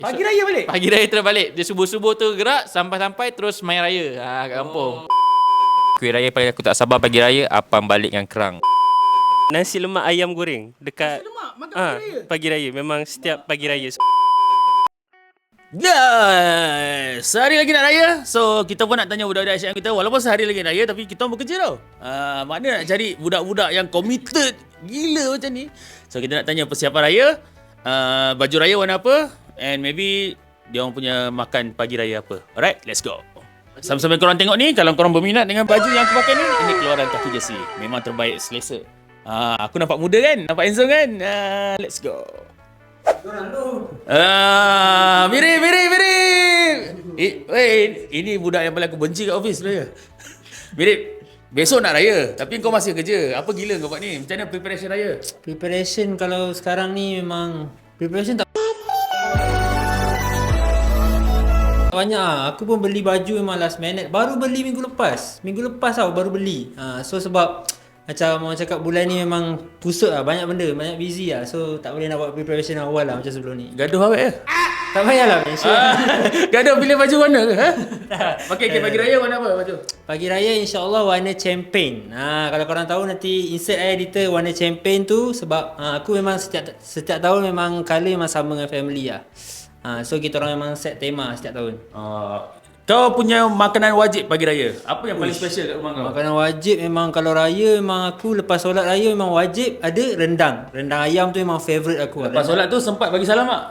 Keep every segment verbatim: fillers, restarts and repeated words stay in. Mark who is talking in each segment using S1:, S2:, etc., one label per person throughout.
S1: Pagi raya balik?
S2: Pagi raya terus balik. Dia subuh-subuh tu gerak sampai-sampai terus main raya. Ha, kat kampung. Oh. Kuih raya paling aku tak sabar pagi raya, apam balik dengan kerang.
S3: Nasi lemak ayam goreng dekat
S1: Nasi lemak makan
S3: ah,
S1: pagi raya?
S3: pagi raya. Memang setiap pagi raya.
S1: Guys, sehari lagi nak raya. So, kita pun nak tanya budak-budak Asyik kita. Walaupun sehari lagi nak raya, tapi kita pun bekerja tau. Uh, mana nak cari budak-budak yang committed gila macam ni. So, kita nak tanya persiapan raya. Uh, baju raya warna apa? And maybe dia orang punya makan pagi raya apa. Alright, let's go. Sambil-sambil korang tengok ni, kalau korang berminat dengan baju yang aku pakai ni, ini keluaran kaki jersey. Memang terbaik selesa. Uh, aku nampak muda kan? Nampak handsome kan? Uh, let's go. Ah, mirip, mirip, mirip. Eh, weh, ini budak yang paling aku benci kat office sebenarnya. Mirip. Besok nak raya, tapi kau masih kerja. Apa gila kau buat ni? Macam mana preparation raya?
S4: Preparation kalau sekarang ni memang preparation tak banyak lah. Aku pun beli baju memang last minute. Baru beli minggu lepas. Minggu lepas tau baru beli. Ha, so sebab macam orang cakap bulan ni memang pusat lah. Banyak benda, banyak busy lah. So tak boleh nak buat preparation awal lah macam sebelum ni.
S1: Gaduh awet ke?
S4: Tak payahlah mention.
S1: Ah, gaduh pilih baju warna ke? Ha? Okey, okay, pagi raya warna apa baju?
S4: Pagi raya insyaAllah warna champagne. Ha, kalau korang tahu nanti insert saya editor warna champagne tu. Sebab ha, aku memang setiap setiap tahun memang colour memang sama dengan family lah. Ha, so kita orang memang set tema setiap tahun.
S1: Uh, kau punya makanan wajib pagi raya. Apa yang paling
S4: Uish.
S1: special kat rumah kau?
S4: Makanan wajib memang kalau raya memang aku lepas solat raya memang wajib ada rendang. Rendang ayam tu memang favourite aku.
S1: Lepas solat tu sempat bagi salam tak?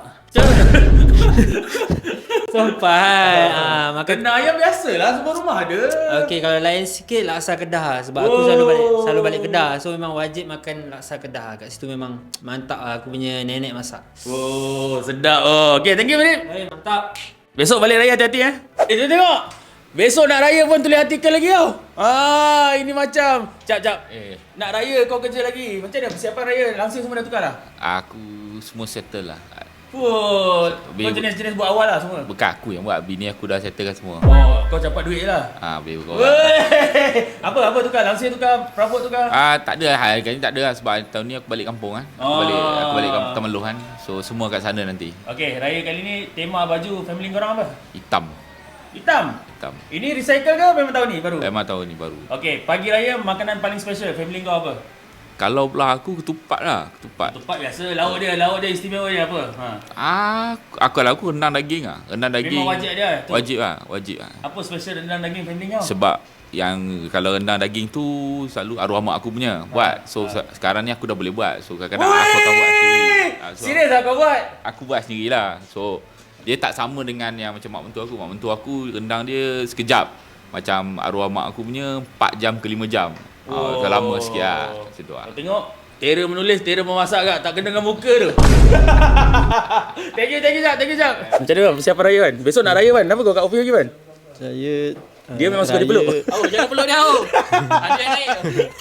S4: Sampai ha, makan
S1: Rendang ayam biasalah, semua rumah ada.
S4: okey kalau lain sikit laksa Kedah lah. Sebab aku selalu balik selalu balik Kedah. So memang wajib makan laksa Kedah. Kat situ memang mantap lah aku punya nenek masak.
S1: Oh, sedap. Oh, okey, thank you Mirip.
S4: Eh mantap.
S1: Besok balik raya hati-hati eh. Eh, tengok tengok. Besok nak raya pun tulis artikel lagi tau. Ah, ini macam cap cap.
S2: Eh,
S1: Nak raya kau kerja lagi. Macam mana persiapan raya? Langsung semua dah tukar dah.
S2: aku semua settle lah.
S1: Fuh. Kau
S2: Bil-
S1: jenis-jenis buat awal lah semua.
S2: Bukan aku yang buat, bini aku dah settlekan semua.
S1: Oh, kau capat duit je lah.
S2: Ah, boleh kau.
S1: Weh. Apa apa tukar? Langsung tukar, perabot tukar.
S2: Ah, tak ada lah, kali ni tak ada lah sebab tahun ni aku balik kampung kan. Aku
S1: Oh.
S2: balik aku balik kampung Temeloh kan. So semua kat sana nanti.
S1: Okey, raya kali ni tema baju family korang apa?
S2: Hitam.
S1: Hitam.
S2: Hitam.
S1: Ini recycle ke memang tahun ni baru?
S2: Memang tahun ni baru.
S1: Okey, pagi raya makanan paling special family kau apa?
S2: Kalau belah aku ketupat lah, ketupat.
S1: Tempat biasa, lauk dia, lauk dia istimewa dia apa? Ha.
S2: Ah, aku kalau aku rendang daging ah. Rendang daging.
S1: Memang wajib dia tu.
S2: Wajib lah, wajib lah.
S1: Apa special rendang daging family kau?
S2: Sebab yang kalau rendang daging tu selalu arwah mak aku punya buat. So
S1: ha.
S2: sekarang ni aku dah boleh buat. So kadang-kadang aku akan buat sendiri. Ah, so,
S1: Serius lah kau buat?
S2: Aku buat sendirilah. So dia tak sama dengan yang macam mak mentua aku. Mak mentua aku rendang dia sekejap. Macam arwah mak aku punya empat jam ke lima jam. Oh, oh lama sikit lah. Macam tu lah.
S1: Kau tengok, Tera menulis, Tera memasak kat. Tak kena dengan muka tu. Thank you, thank you Jap, thank you Jap. Macam mana persiapan raya kan? Besok nak raya kan? Kenapa kau kat office lagi kan?
S5: Saya
S1: Dia memang suka dipeluk.
S2: Oh, jangan peluk dia. Oh. Ada yang naik.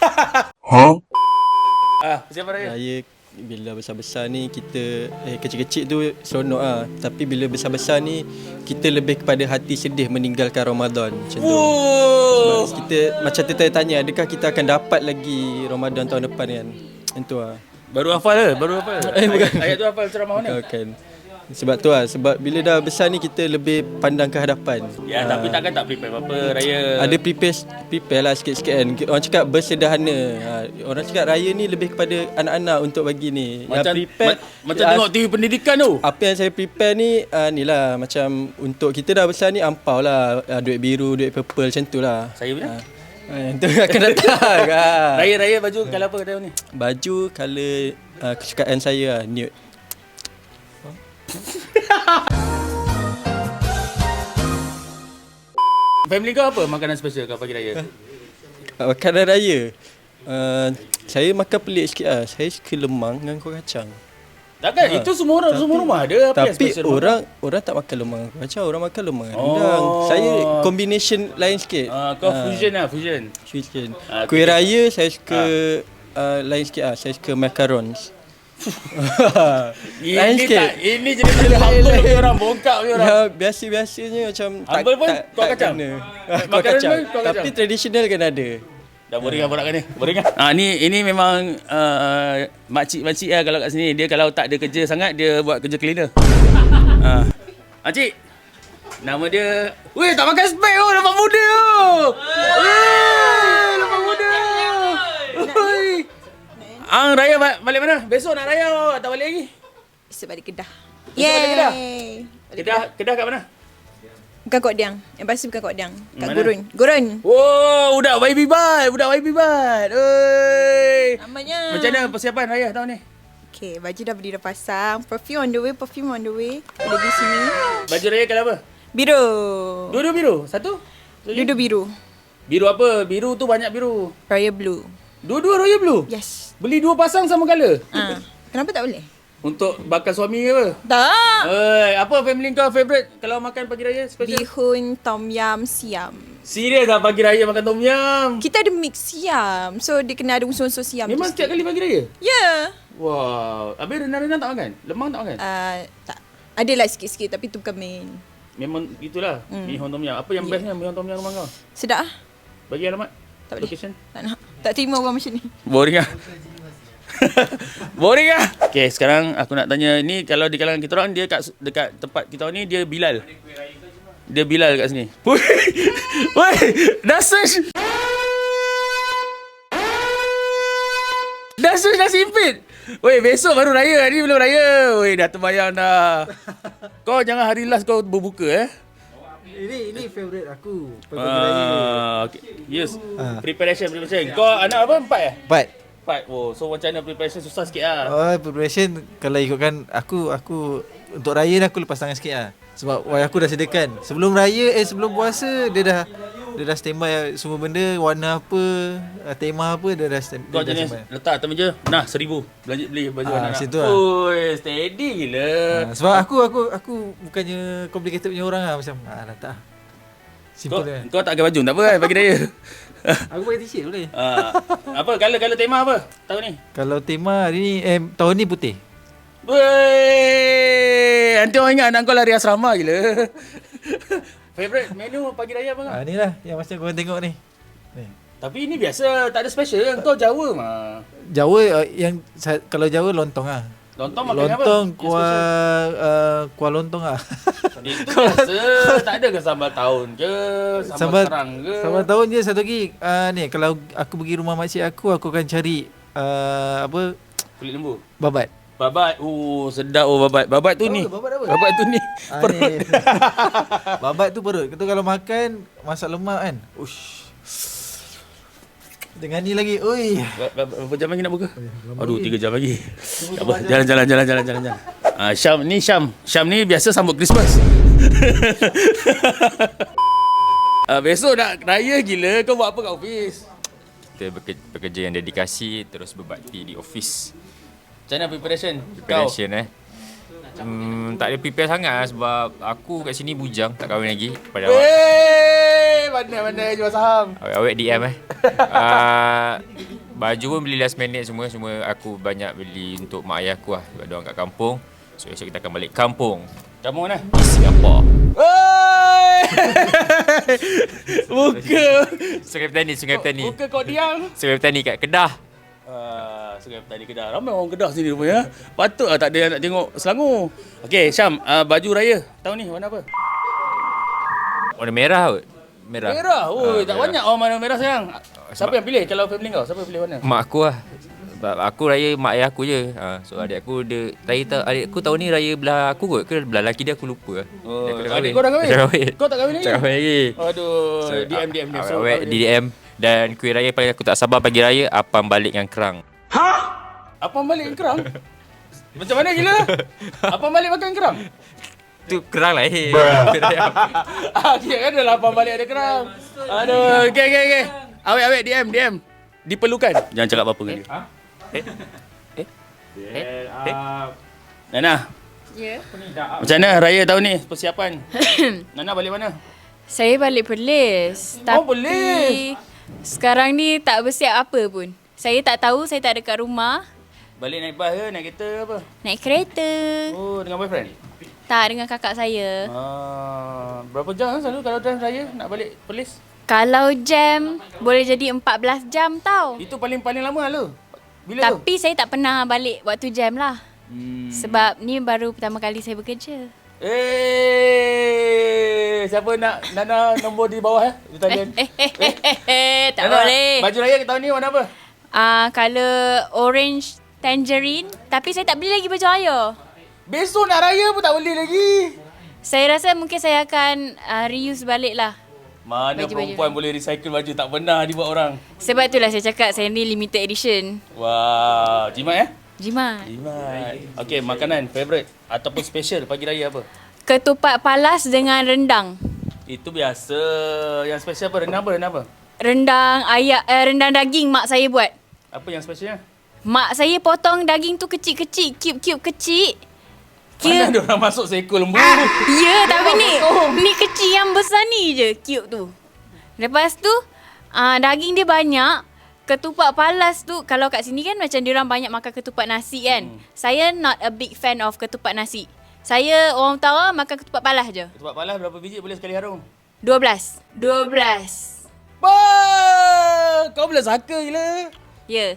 S1: Ah, persiapan raya.
S5: Raya bila besar-besar ni kita eh kecil-kecil tu seronok ah. Tapi bila besar-besar ni kita lebih kepada hati sedih meninggalkan Ramadan macam tu.
S1: Oh.
S5: Sebab kita macam tertanya-tanya adakah kita akan dapat lagi Ramadan tahun depan kan. Itu ah.
S1: Baru hafal ke? Baru hafal?
S5: Eh, bukan.
S1: Ayat, ayat tu hafal ceramah mana?
S5: Bukan. Sebab tu lah, sebab bila dah besar ni kita lebih pandang ke hadapan.
S1: Ya,
S5: Ah.
S1: tapi takkan tak prepare apa-apa raya.
S5: Ada prepare prepare lah sikit-sikit kan. Orang cakap bersederhana. Ha, orang cakap raya ni lebih kepada anak-anak untuk bagi ni.
S1: Macam,
S5: Yang prepare
S1: ma- macam tengok T V pendidikan tu.
S5: apa yang saya prepare ni uh, ni lah macam untuk kita dah besar ni ampau lah uh, duit biru, duit purple macam tu lah.
S1: Saya punya?
S5: Uh, itu akan datang. ah.
S1: Raya-raya baju colour apa tahun ni?
S5: Baju colour uh, kesukaan saya lah, nude.
S1: Family kau apa makanan special kau pagi raya?
S5: Uh, makanan raya. Uh, saya makan pelik sikit lah. Saya suka lemang dengan kuah kacang.
S1: Takkan
S5: Ha.
S1: itu semua orang semua rumah ada apa yang
S5: Tapi
S1: special
S5: orang orang tak makan lemang macam orang makan lemang dengan
S1: Oh.
S5: rendang. Saya combination lain sikit.
S1: Ah, kau
S5: Ah,
S1: fusion lah, fusion.
S5: fusion.
S1: Ah,
S5: Kuih
S1: okay.
S5: raya saya suka uh, lain sikit ah. Saya suka macarons. lain
S1: Ini
S5: sikit.
S1: tak, ini jenis jenis humble punya orang, bongkak punya orang.
S5: Ya biasa-biasanya macam tak
S1: Humble pun
S5: tak,
S1: kuah
S5: tak
S1: kacang?
S5: kena.
S1: Ah,
S5: Kuah
S1: makanan
S5: kacang.
S1: pun kuah kacang?
S5: Tapi tradisional kan ada.
S1: Dah boring lah borak kan ni. Boring lah. Ah, ni ini memang uh, makcik-makcik lah kalau kat sini. Dia kalau tak ada kerja sangat dia buat kerja cleaner. Ah, Makcik. Nama dia... Weh, tak pakai spek oh, nampak muda oh. Weh, nampak muda. Oi. Ang raya ba- balik mana? Besok nak raya oh, tak balik lagi?
S6: Esok balik Kedah.
S1: Esok balik Kedah?
S6: Balik
S1: Kedah, Kedah kat mana?
S6: Bukan Kok Diang. Yang pasti bukan Kok Diang. Kat
S1: Mana?
S6: Gurun. Gurun.
S1: Oh, budak Y B Bat, budak Y B Bat. Oi.
S6: Namanya.
S1: Macam mana persiapan raya tahun ni?
S6: Okay, baju dah beli dah pasang. Perfume on the way, perfume on the way. Ada di sini.
S1: Baju raya colour apa?
S6: Biru.
S1: Dua-dua biru? Satu?
S6: Dua-dua biru.
S1: Biru apa? Biru tu banyak biru.
S6: Royal blue.
S1: Dua-dua royal blue?
S6: Yes.
S1: Beli dua pasang sama colour?
S6: Ah, kenapa tak boleh?
S1: Untuk bakal suami ke apa?
S6: Tak.
S1: Oi, apa family kau favourite kalau makan pagi raya special?
S6: Bihun, tom yum, siam.
S1: Serius dah pagi raya makan tom yum?
S6: Kita ada mix siam. So dia kena ada unsur-unsur siam.
S1: Memang
S6: tu
S1: setiap
S6: sikit.
S1: kali pagi raya?
S6: Ya. Yeah.
S1: Wow. Habis renang-renang tak makan? Lemang tak makan?
S6: Uh, tak. Adalah sikit-sikit tapi tu bukan main.
S1: Memang itulah.
S6: Hmm.
S1: Mihon tom yum. Apa yang
S6: Ya.
S1: bestnya mihon tom yum rumah kau?
S6: Sedap ah.
S1: Bagi alamat.
S6: Tak boleh.
S1: Location.
S6: Tak nak. Tak terima orang macam ni.
S1: Boring ah. Boring ah. Okay, sekarang aku nak tanya ni kalau di kalangan kita orang dia kat dekat tempat kita ni dia Bilal. Dia Bilal kat sini. Woi. Woi, dah search. Dah search dah simpit. Woi, besok baru raya, ni belum raya. Woi, dah terbayang dah. Kau jangan hari last kau berbuka eh.
S7: Ini ini favorite aku.
S1: Ah, okay. Yes. Preparation, preparation. Kau anak apa? Empat eh?
S7: But
S1: Empat. Oh, so macam mana preparation susah sikit lah.
S7: oh, preparation kalau ikutkan aku aku untuk raya ni aku lepas tangan sikit lah. Sebab why aku dah sediakan. Sebelum raya eh sebelum puasa dia dah dia dah standby semua benda, warna apa, tema apa dia dah stand,
S1: Kau
S7: dia dah
S1: jenis
S7: standby.
S1: letak atas meja. Nah, seribu. Belanja beli baju
S7: Ah,
S1: anak-anak.
S7: macam tu lah.
S1: Oi, steady gila.
S7: Ha, sebab aku aku aku bukannya complicated punya orang lah macam ah dah tak.
S1: Kau,
S7: Simple kan.
S1: kau tak pakai baju tak apa kan pagi raya.
S7: Aku pakai t-shirt boleh.
S1: Ah, apa color-color tema apa tahun ni?
S7: Kalau tema hari ni eh tahun ni putih.
S1: Weh, nanti orang ingat anak kau lari asrama gila. Favorite menu pagi raya apa kau?
S7: Ah ni lah yang macam korang tengok ni. Ni.
S1: Tapi ini biasa, tak ada special kan? Kau Jawa mah.
S7: Jawa uh, yang sa- kalau Jawa lontong ah.
S1: Lontong makan apa?
S7: Lontong
S1: Yang
S7: kuah uh, kuah lontong ah.
S1: Itu biasa, tak ada ke sambal tahun ke, sambal,
S7: Sambal
S1: kerang ke?
S7: Sambal tahun je satu lagi uh, ni kalau aku pergi rumah makcik aku aku akan cari uh, apa
S1: Kulit lembu.
S7: babat.
S1: Babat. Oh, sedap oh babat. Babat tu
S7: Oh,
S1: ni.
S7: babat apa?
S1: Babat tu ni.
S7: Ah,
S1: Perut.
S7: ni. Babat tu perut. Kita kalau makan masak lemak kan. Ush. Dengan ni lagi. Oi.
S1: Ber- ber- Berapa jam lagi nak buka? Aduh, tiga jam lagi. Tak apa, jalan jalan jalan jalan jalan jalan. Ah, Syam ni Syam. Syam ni biasa sambut Christmas. Ah, besok nak raya gila, kau buat apa kat office?
S2: Kita bekerja, bekerja yang dedikasi, terus berbakti di office.
S1: Macam mana preparation?
S2: Preparation eh. Hmm, tak ada prepare sangat lah sebab aku kat sini bujang, tak kahwin lagi. Pada
S1: Kau?
S2: awak,
S1: Wey, mana-mana jual saham.
S2: awak D M eh. uh, baju pun beli last minute semua. Semua aku banyak beli untuk mak ayah aku lah. Sebab diorang kat kampung. So esok kita akan balik kampung
S1: Kamu mana?
S2: di Singapura.
S1: Wey! Muka.
S2: Sungai Petani, Sungai Petani.
S1: Muka kau diam.
S2: Sungai Petani kat Kedah.
S1: Ah, Sungai Petani Kedah. Ramai orang Kedah sini rupanya. Patut lah tak ada yang nak tengok Selangor. Okey, Syam, uh, baju raya tahun ni warna apa?
S2: Warna merah kot. Merah.
S1: Merah. Oi,
S2: Ah,
S1: tak
S2: merah.
S1: banyak orang warna merah sayang. Siapa
S2: sebab-
S1: yang pilih kalau family kau? Siapa yang pilih warna?
S2: Mak aku lah. Sebab aku raya mak ayah aku je. Ha, so adik aku dia raya ta, adik aku tahun ni raya belah aku kot. Ke belah lelaki dia aku lupa lah.
S1: Oh,
S2: Dia aku
S1: adik kau dah kahwin?
S2: Dah kahwin.
S1: Kau tak kahwin lagi?
S2: Tak kahwin lagi.
S1: Aduh,
S2: So,
S1: D M D M dia.
S2: awet, awet, D M. Dan kuih raya paling aku tak sabar pagi raya, apam balik dengan kerang.
S1: Apa balik kerang? Macam mana gila? Apa balik makan kerang?
S2: Tu kerang lah eh. Kuih raya.
S1: Ah, kira kan dah lapar balik ada kerang. Aduh, okey okey okey. Awet awet D M D M. Diperlukan. Jangan cakap apa-apa dengan dia.
S2: Ha? Eh? Eh? Eh? Eh?
S1: Nana,
S6: Ya.
S1: macam mana raya tahun ni? Persiapan. Nana balik mana?
S8: Saya balik Perlis.
S1: Oh,
S8: Tapi
S1: Perlis.
S8: sekarang ni tak bersiap apa pun. Saya tak tahu, saya tak ada kat rumah.
S1: Balik naik bas ke? Naik kereta ke apa?
S8: Naik kereta.
S1: Oh, dengan boyfriend?
S8: Tak, dengan kakak saya.
S1: Ah, berapa jam kan selalu kalau drive raya nak balik Perlis?
S8: Kalau jam, boleh jadi empat belas jam tau.
S1: Itu paling-paling lama lah lu. Bila tu?
S8: Tapi saya tak pernah balik waktu jam lah.
S1: Hmm.
S8: Sebab ni baru pertama kali saya bekerja.
S1: Eh, siapa nak Nana nombor di bawah eh? Di talian.
S8: Eh, eh, eh, eh, eh, tak
S1: Nana,
S8: boleh.
S1: Baju raya tahun ni warna apa?
S8: Ah, color orange tangerine. Tapi saya tak beli lagi baju raya.
S1: Besok nak raya pun tak boleh lagi.
S8: Saya rasa mungkin saya akan uh, reuse balik lah.
S1: Mana
S8: Baju-baju.
S1: perempuan boleh recycle baju, tak pernah dibuat orang.
S8: Sebab itulah saya cakap saya ni limited edition.
S1: Wah, jimat eh?
S8: Jimat.
S1: Jimat. Okey, makanan favourite ataupun special pagi raya apa?
S8: Ketupat palas dengan rendang.
S1: Itu biasa. Yang special apa? Rendang apa? Rendang apa?
S8: Rendang ayam, eh, rendang daging mak saya buat.
S1: Apa yang specialnya?
S8: Mak saya potong daging tu kecil-kecil, cube-cube kecil.
S1: Mana ada orang masuk seekor lembu?
S8: Ah, ya, tapi ni ni kecil yang besar ni je, cube tu. Lepas tu, ah, daging dia banyak. Ketupat palas tu, kalau kat sini kan macam diorang banyak makan ketupat nasi kan. Hmm. Saya not a big fan of ketupat nasi. Saya orang utara makan ketupat palas je.
S1: Ketupat palas berapa biji boleh sekali harum?
S8: dua belas. dua belas.
S1: Bah, kau boleh saka gila.
S8: Ya.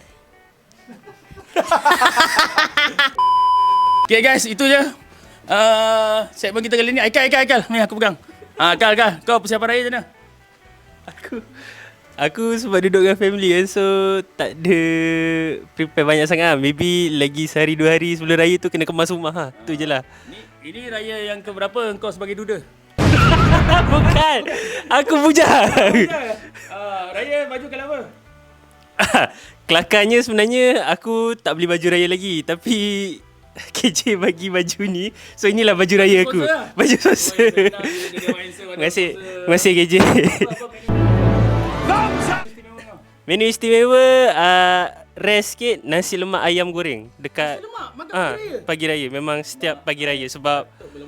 S1: Okay guys, itu je. Uh, segmen kita kali ni. Aikal, Aikal, Aikal. Ni aku pegang. Ah, Aikal, Aikal. Kau persiapan raya macam mana?
S3: Aku Aku sebab duduk dengan family kan, so tak ada prepare banyak sangat lah. Maybe lagi sehari dua hari sebelum raya tu kena kemas rumah lah. Tu je lah.
S1: Ni, ini raya yang keberapa kau sebagai duda?
S3: Bukan. Aku bujang.
S1: Uh, raya baju kalau apa?
S3: Kelakarnya sebenarnya aku tak beli baju raya lagi, tapi K J bagi baju ni. So inilah baju raya aku.
S1: Sponsor lah.
S3: Baju sponsor. Terima kasih. Terima kasih K J. Menu istimewa uh, rare sikit, nasi lemak ayam goreng dekat
S1: Nasi lemak? Makan
S3: ah,
S1: pagi raya?
S3: pagi raya. Memang setiap pagi raya sebab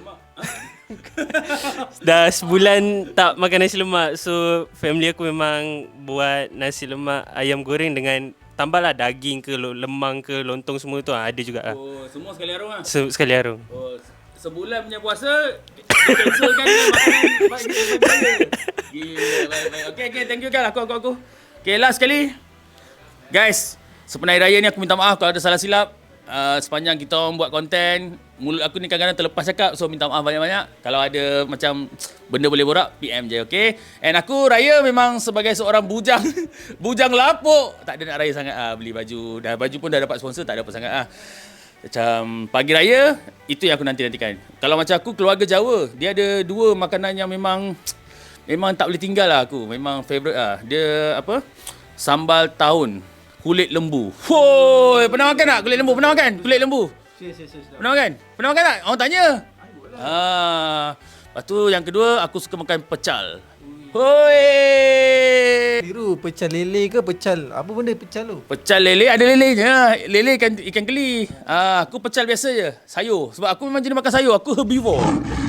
S3: dah sebulan tak makan nasi lemak. So family aku memang buat nasi lemak ayam goreng dengan tambahlah daging ke lemang ke lontong semua tu ada juga lah.
S1: Oh, semua sekali harum lah.
S3: Se- sekali harum.
S1: Oh, sebulan punya puasa cancelkan dengan makanan pagi raya. Gila, baik baik. Okey okey, thank you Kal. Aku aku aku. Okey, last sekali. Guys, sepenai raya ni aku minta maaf kalau ada salah silap. Uh, sepanjang kita orang buat konten, mulut aku ni kadang-kadang terlepas cakap, so minta maaf banyak-banyak. Kalau ada macam benda boleh borak, P M je, okay? And aku raya memang sebagai seorang bujang, bujang lapuk. Tak ada nak raya sangat ah, beli baju. Dah baju pun dah dapat sponsor, tak ada apa sangat ah. Macam pagi raya, itu yang aku nanti-nantikan. Kalau macam aku, keluarga Jawa, dia ada dua makanan yang memang memang tak boleh tinggal lah aku. Memang favourite lah. Dia apa? Sambal tahun. Kulit lembu. Woi, pernah makan tak kulit lembu? Pernah makan kulit lembu? Pernah makan? Pernah makan tak? Orang tanya. Ah, lepas tu yang kedua, aku suka makan pecal. Hoi.
S7: Biru pecal lele ke pecal? Apa benda pecal tu?
S1: Pecal lele, ada lelenya. Lele ikan, ikan keli. Ah, aku pecal biasa je. Sayur. Sebab aku memang jenis makan sayur. Aku herbivore.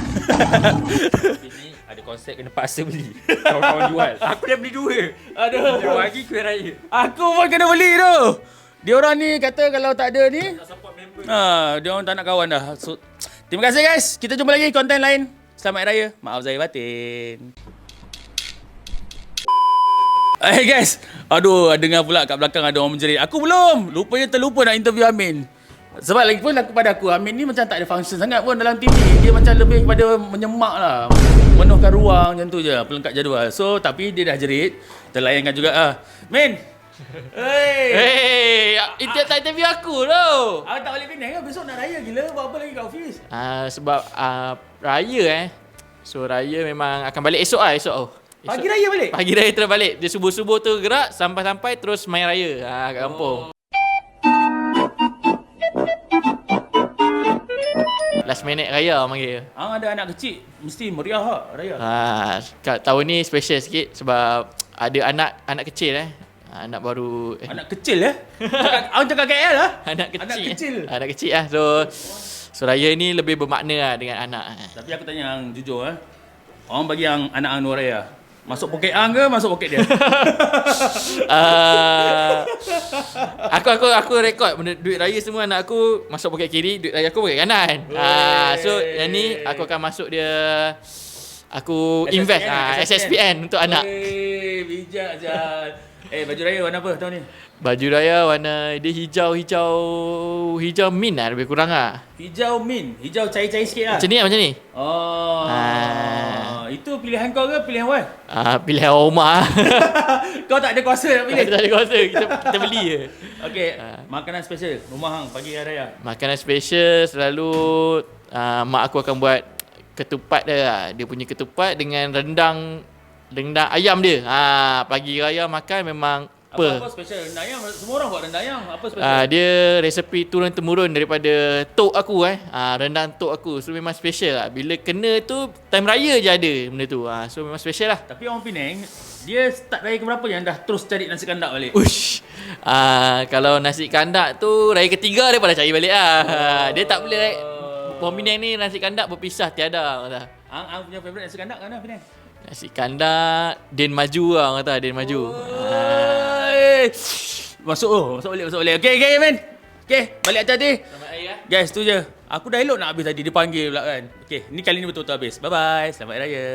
S2: Ini ada konsep kena paksa beli. Kawan-kawan jual. Aku dah beli dua.
S1: Aduh.
S2: Dia bagi kuih raya.
S1: Aku pun kena beli tu. Dia orang ni kata kalau tak ada ni, ha, dia orang tak nak kawan dah. So, terima kasih guys. Kita jumpa lagi konten lain. Selamat Raya. Maaf zahir batin. Hey guys. Aduh, dengar pula kat belakang ada orang menjerit. Aku belum. Lupanya terlupa nak interview Amin. Sebab lagi pun aku pada aku, Amin ni macam tak ada function sangat pun dalam T V. Dia macam lebih kepada menyemak lah. Menuhkan ruang macam tu je. Pelengkap jadual. So, tapi dia dah jerit. Terlayankan juga ah. Min. Hey.
S2: Hey, itu tak interview aku tu.
S1: Awak tak balik Penang ke? Besok nak raya gila. Buat apa lagi kat office?
S2: Uh, sebab uh, raya eh. So raya memang akan balik esok ah, esok oh. Esok,
S1: Pagi raya balik?
S2: Pagi raya terus balik. Dia subuh-subuh tu gerak sampai-sampai terus main raya ah, kat kampung. Oh. Last minute raya orang panggil.
S1: Hang ada anak kecil, mesti meriah lah raya.
S2: Ah, kat tahun ni special sikit sebab ada anak anak kecil eh. Anak baru eh.
S1: Anak kecil eh? Awak cakap K L lah?
S2: Anak kecil.
S1: Anak kecil.
S2: Anak kecil lah. So so raya ni lebih bermakna lah dengan anak.
S1: Tapi aku tanya hang jujur eh. Orang bagi hang anak hang luar raya. Masuk poket hang ke masuk poket dia?
S2: uh, aku aku aku rekod benda duit raya semua anak aku masuk poket kiri, duit raya aku poket kanan. Ah uh, so yang ni aku akan masuk dia aku
S1: S S P N,
S2: invest ah
S1: S S P N.
S2: S S P N untuk anak.
S1: Eh, bijak Jal. Eh, baju raya warna apa tahun ni?
S2: Baju raya warna dia hijau-hijau hijau mint lah lebih kurang lah.
S1: Hijau mint, hijau cair-cair sikit lah.
S2: Macam ni lah macam ni.
S1: Oh.
S2: Ah.
S1: itu pilihan kau ke pilihan Wan?
S9: Ah, pilihan rumah.
S1: Kau tak ada kuasa nak pilih?
S9: Kita tak ada kuasa, kita, kita beli je.
S1: Okey, makanan special rumah hang pagi hari raya.
S9: Makanan special selalu uh, mak aku akan buat ketupat dia lah. Dia punya ketupat dengan rendang rendang ayam dia. Ha, pagi raya makan memang apa?
S1: Apa special rendang ayam? Semua orang buat rendang ayam. Apa special?
S9: Uh, dia resepi turun temurun daripada tok aku eh. Uh, rendang tok aku. So memang special lah. Bila kena tu time raya je ada benda tu. Uh, so memang special lah.
S1: Tapi orang Penang, dia start raya ke berapa yang dah terus cari nasi kandak balik?
S9: Ush. Uh, kalau nasi kandak tu raya ketiga dia pada cari balik lah. Uh, dia tak boleh raya. Orang Penang ni nasi kandak berpisah tiada. Kata.
S1: Hang, hang punya favourite nasi kandak mana Penang?
S9: Nasi kandak Din Maju lah orang kata. Din Maju.
S1: Oh. Masuk oh, masuk balik, masuk balik. Okey, okey, men. Okey, balik hati-hati.
S9: Selamat hari lah.
S1: Guys, tu je. Aku dah elok nak habis tadi, dia panggil pula kan. Okey, ni kali ni betul-betul habis. Bye-bye. Selamat Hari Raya.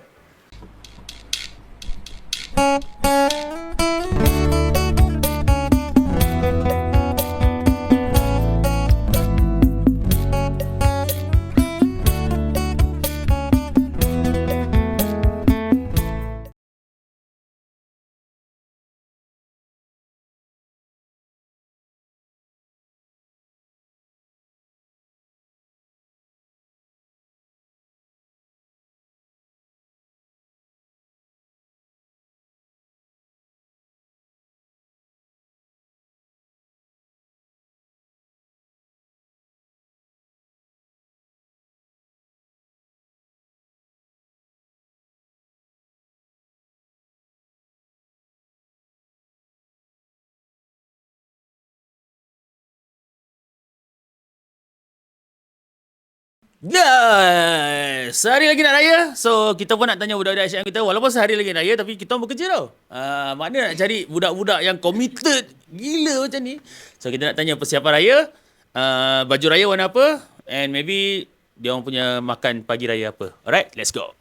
S1: Yes, sehari lagi nak raya. So kita pun nak tanya budak-budak S Y M kita, walaupun sehari lagi nak raya tapi kita bekerja tau. Uh, mana nak cari budak-budak yang committed gila macam ni. So kita nak tanya persiapan raya, uh, baju raya warna apa, and maybe dia orang punya makan pagi raya apa. Alright, let's go.